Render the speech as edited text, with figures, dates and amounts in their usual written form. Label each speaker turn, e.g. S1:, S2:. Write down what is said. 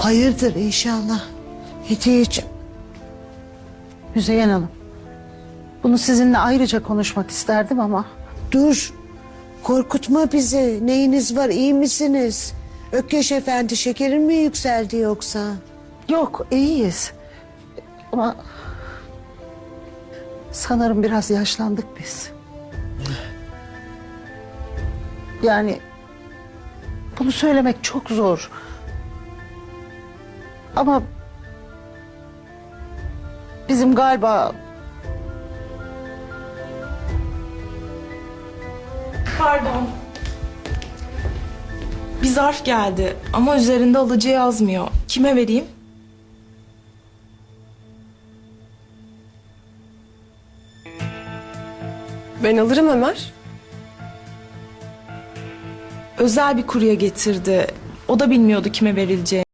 S1: Hayırdır inşallah. Hediyeciğim.
S2: Müzeyyen Hanım, bunu sizinle ayrıca konuşmak isterdim ama...
S1: Dur. Korkutma bizi. Neyiniz var, iyi misiniz? Ökkeş Efendi, şekerin mi yükseldi yoksa?
S2: Yok, iyiyiz. Ama... sanırım biraz yaşlandık biz. Yani... bunu söylemek çok zor. Ama... bizim galiba...
S3: Pardon. Bir zarf geldi ama üzerinde alıcı yazmıyor. Kime vereyim?
S4: Ben alırım Ömer.
S3: Özel bir kurye getirdi. O da bilmiyordu kime verileceğini.